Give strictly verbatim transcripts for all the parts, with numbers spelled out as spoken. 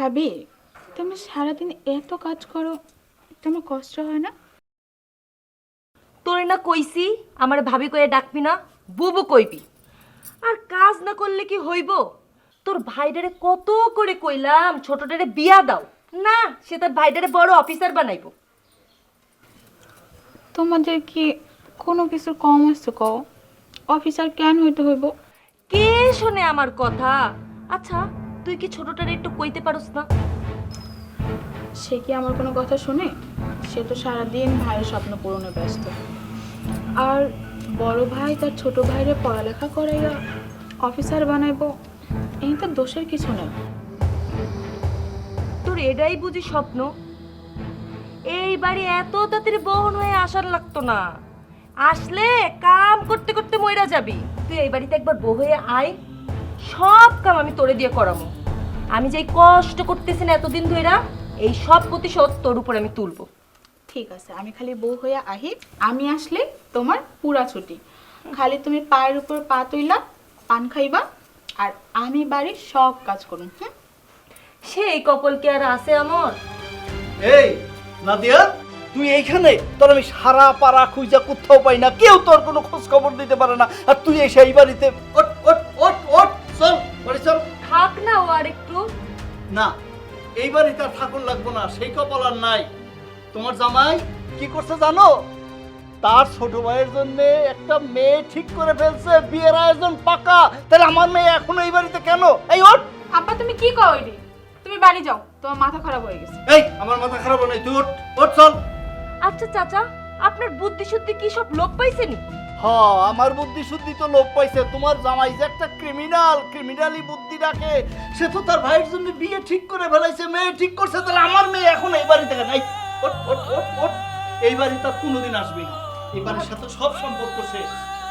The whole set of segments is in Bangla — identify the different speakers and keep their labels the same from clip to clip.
Speaker 1: ভাবি, তুমি সারাদিন এত কাজ করো, তোমার কষ্ট হয় না?
Speaker 2: তোরে না কইছি আমার ভাবি কয়ে ডাকবি না, বুবু কইবি। আর কাজ না করলে কি হইব? তোর ভাইডারে কত করে কইলাম ছোটটারে বিয়া দাও, না সে তার ভাইডারে বড় অফিসার বানাইবো।
Speaker 1: তোমাদের কি কোনো কিছু কম আছে কও? অফিসার কেন হইতে হইব?
Speaker 2: কে শোনে আমার কথা? আচ্ছা তুই কি ছোটটারে একটু কইতে পারোস না?
Speaker 1: সে কি আমার কোনো কথা শুনে? সে তো সারাদিন ভাইয়ের স্বপ্ন পূরণে ব্যস্ত। আর বড় ভাই তার ছোট ভাইরে পড়ালেখা করাইয়া অফিসার বানাইবো, এই তো দোষের কিছু নেই।
Speaker 2: তোর এটাই বুঝি স্বপ্ন? এই বাড়ি এত তাড়াতাড়ি বহন হয়ে আসার লাগতো না, আসলে কাম করতে করতে মইরা যাবি। তুই এই বাড়িতে একবার বউ হয়ে আয়, সব কাম আমি তোরে দিয়ে করাবো। আমি যেই কষ্ট করতেছি না এতদিন ধইরা, এই সব প্রতিশোধ তোর উপর আমি তুলবো।
Speaker 1: ঠিক আছে, আমি খালি বউ হইয়া আহি, আমি আসলে তোমার পুরা ছুটি। খালি তুমি পায়ের উপর পা তুইলা পান খাইবা, আর আমি বাড়ির সব কাজ করুন। হুম,
Speaker 2: সেই কপাল কি আর আছে আমার?
Speaker 3: এই নাদিয়া, তুই এইখানে? তোর আমি সারা পাড়া খুঁজা কোথাও পাই না, কেউ তোর কোনো খোঁজ খবর দিতে পারে না, আর তুই এসে এই বাড়িতে ওট ওট ওট ওট চল বাড়ি চল।
Speaker 2: থাক না ও আর একটু।
Speaker 3: না, এই বাড়িতে আর ঠাকুর লাগবো না, সেই কপাল আর নাই। তোমার জামাই কি করছে জানো? তার ছোট ভাইয়ের জন্য একটা মেয়ে ঠিক করে ফেলছে, বিয়ের আয়োজন পাকা। তাহলে আমার মেয়ে এখন এই বাড়িতে কেন? এই ওঠ।
Speaker 1: আব্বা তুমি কি কও এডি? তুমি বাড়ি যাও, তোমার মাথা খারাপ হয়ে গেছে।
Speaker 3: এই আমার মাথা খারাপ হয় নাই, তুই ওঠ ওঠ চল।
Speaker 2: আচ্ছা চাচা, আপনার বুদ্ধি শুদ্ধি কি সব লোপ পাইছেনি?
Speaker 3: হ্যাঁ, আমার বুদ্ধি শুদ্ধি তো লোপ পাইছে। তোমার জামাই যে একটা ক্রিমিনাল, ক্রিমিনালি বুদ্ধি রাখে, সে তো তার ভাইয়ের জন্য বিয়ে ঠিক করে ফেলাইছে, মেয়ে ঠিক করছে। তাহলে আমার মেয়ে এখন এই বাড়িতে কেন? এই ওঠ ওঠ ওঠ ওঠ। এই বাড়ি তার কোনোদিন আসবে না, এই বাড়ির সাথে সব সম্পর্ক শেষ।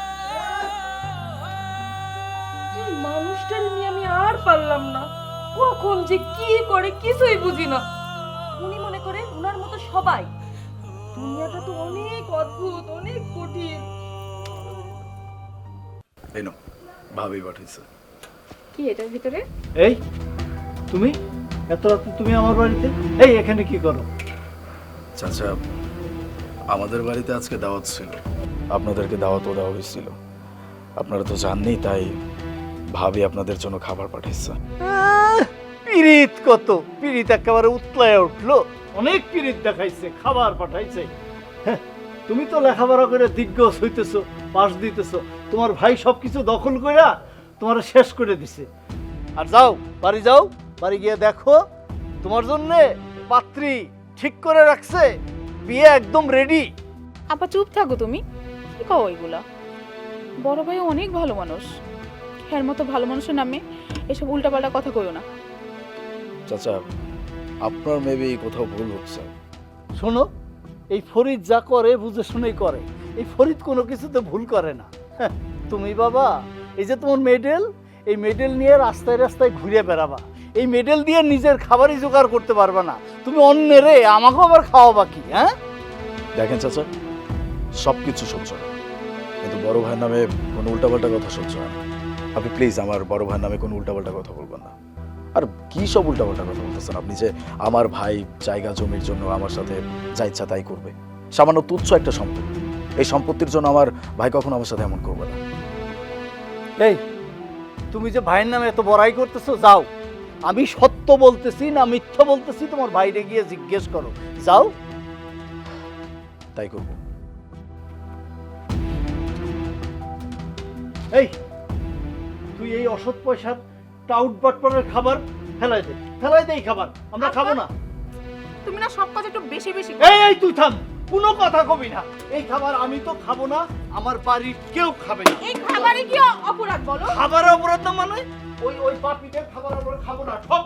Speaker 2: এই মানুষটার নিয়ে আমি আর পারলাম না, কখন যে কি করে কিছুই বুঝি না। উনি মনে করে উনার মতো সবাই। দুনিয়াটা তো অনেক অদ্ভুত, অনেক কঠিন।
Speaker 4: এই নাও, ভাবি পাঠিয়েছে।
Speaker 1: কি এটার ভিতরে?
Speaker 3: এই তুমি এত রাতে তুমি আমার বাড়িতে? এই এখানে কি করো?
Speaker 4: চাচা, আমাদের বাড়িতে আজকে দাওয়াত ছিল, আপনাদেরকে দাওয়াতও দেওয়া হয়েছিল। আপনারা তো জাননি, তাই ভাবি আপনাদের জন্য খাবার পাঠিয়েছে।
Speaker 3: আহ, পিরিত কত! পিরিত একেবারে উতলায় উঠলো। অনেক পিরিত দেখাইছে, খাবার পাঠাইছে। হ্যাঁ, তুমি তো লেখাপড়া করে দিগ্গজ হইতেছো, পাশ দিতেছো। তোমার ভাই সবকিছু দখল কইরা তোমার শেষ করে দিছে। আর যাও, বাড়ি যাও, বাড়ি গিয়ে দেখো তোমার জন্য পাত্রী ঠিক করে রাখছে, বিয়ে একদম রেডি।
Speaker 1: আপা চুপ থাকো, তুমি কি কও এগুলা? বড় ভাই অনেক ভালো মানুষ, এর মতো ভালো মানুষের নামে এসব উল্টাপাল্টা কথা কইও না।
Speaker 4: চাচা, আপনার মেবি কোথাও ভুল হচ্ছে।
Speaker 3: শোনো, এই ফরিদ যা করে বুঝে শুনেই করে। এই ফরিদ কোনো কিছুতে ভুল করে না। হ্যাঁ, তুমি বাবা, এই যে তোমার মেডেল, এই মেডেল নিয়ে রাস্তায় রাস্তায় ঘুরে বেড়াবা। এই মেডেল দিয়ে নিজের খাবারই জোগাড় করতে পারবে না, তুমি অন্যেরে আমাকেও আবার খাওয়াবা কি? হ্যাঁ
Speaker 4: দেখেন চাচা, সব কিছু সহ্য হয়, কিন্তু বড় ভাইয়ের নামে কোনো উল্টাপাল্টা কথা সহ্য হয় না। আপনি প্লিজ আমার বড় ভাইয়ের নামে কোনো উল্টাপাল্টা কথা বলবেন না। আর কি সব উল্টাপাল্টা কথা বলতেছেন আপনি? যে আমার ভাই জায়গা জমির জন্য আমার সাথে যা ইচ্ছা তাই করবে, সামান্য তুচ্ছ একটা সম্পত্তি, এই সম্পত্তির জন্য আমার ভাই কখনো আমার সাথে এমন করবে না।
Speaker 3: এই তুমি যে ভাইয়ের নামে এত বড়াই করতেছো, যাও, আমি সত্য বলতেছি না মিথ্যা বলতেছি তোমার ভাইরে গিয়ে জিজ্ঞেস করো, যাও।
Speaker 4: তাই করব।
Speaker 3: এই তুই এই অসৎ পয়সার টাউট বাটপারের খাবার ফেলাই দে, ফেলাই দে এই খাবার, আমরা খাবো না।
Speaker 1: তুমি না সব কাজ একটু বেশি বেশি
Speaker 3: এই এই তুই থাম, কোনো কথা কবি না। এই খাবার আমি তো খাবো না, আমার বাড়ির কেউ খাবে না।
Speaker 1: এই খাবারে কি অপরাধ বলো?
Speaker 3: খাবার অপরাধ না মানে? ওই ওই পাপিদের খাবার আমরা খাবো না, সব